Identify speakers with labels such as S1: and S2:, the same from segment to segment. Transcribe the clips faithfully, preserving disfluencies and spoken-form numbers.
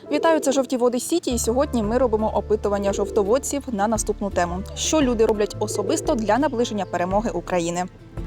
S1: Вітаю, це «Жовті води Сіті», і сьогодні ми робимо опитування жовтоводців на наступну тему. Що люди роблять особисто для наближення перемоги України?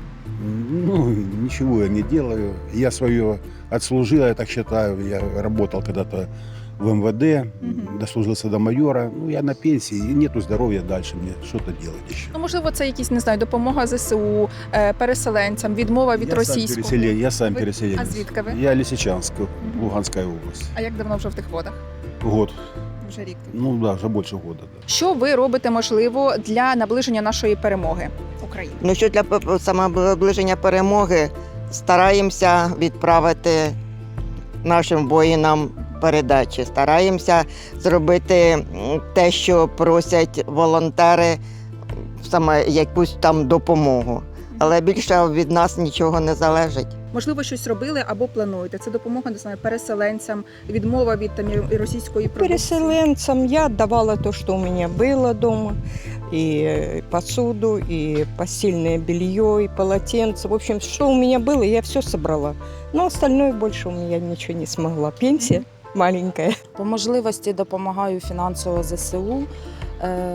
S2: Ну, ничего я не делаю. Я свое отслужил, я так считаю. Я работал когда-то в эм вэ дэ,
S1: Мгм.
S2: дослужился до майора. Ну, я на пенсии, и нету здоровья дальше мне что-то делать еще.
S1: Ну, можливо, це якісь, не знаю, допомога зе се у, е, переселенцям, відмова від
S2: я, сам
S1: російського.
S2: переселен- я сам
S1: Ви-
S2: переселенец.
S1: А звідки ви?
S2: Я Лисичанск,
S1: Мгм.
S2: Луганская область.
S1: А як давно в жовтих водах?
S2: Год.
S1: Вже рік тут.
S2: Ну да, уже больше года. Да.
S1: Що ви робите, можливо, для наближення нашої перемоги України?
S3: Ну що для п- самоближення перемоги стараємося відправити нашим воїнам передачі. Стараємося зробити м, те, що просять волонтери, саме якусь там допомогу. Але більше від нас нічого не залежить.
S1: Можливо, щось робили або плануєте? Це допомога, не знаю, переселенцям, відмова від там і російської продукції?
S4: Переселенцам я отдавала то, что у меня было дома. И посуду, и постельное белье, и полотенце. В общем, что у меня было, я все собрала. Но остальное больше у меня ничего не смогла. Пенсия маленькая.
S5: По можливості допомагаю фінансово зе се у. Е,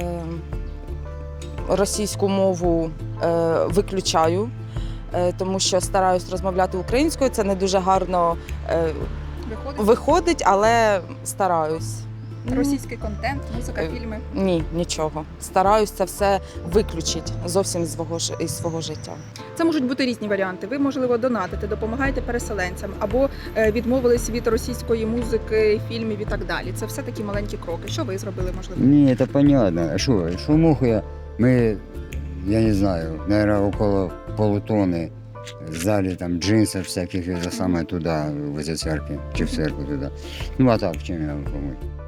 S5: російську мову е, виключаю, е, тому що стараюсь розмовляти українською. Це не дуже гарно е,
S1: Виходить?
S5: виходить, але стараюсь.
S1: Російський контент, музика,
S5: Е,
S1: фільми.
S5: Ні, нічого. Стараюсь це все виключити зовсім з свого, ж- із свого життя.
S1: Це можуть бути різні варіанти. Ви, можливо, донатите, допомагаєте переселенцям або е, відмовились від російської музики, фільмів і так далі. Це все такі маленькі кроки. Що ви зробили, можливо?
S6: Не, это понятно. А что, шумуху я, мы, я не знаю, наверное, около полутонны сдали там джинсов всяких, это самое туда, в эти церкви, чи в церковь туда. Ну а так, чем я могу помочь?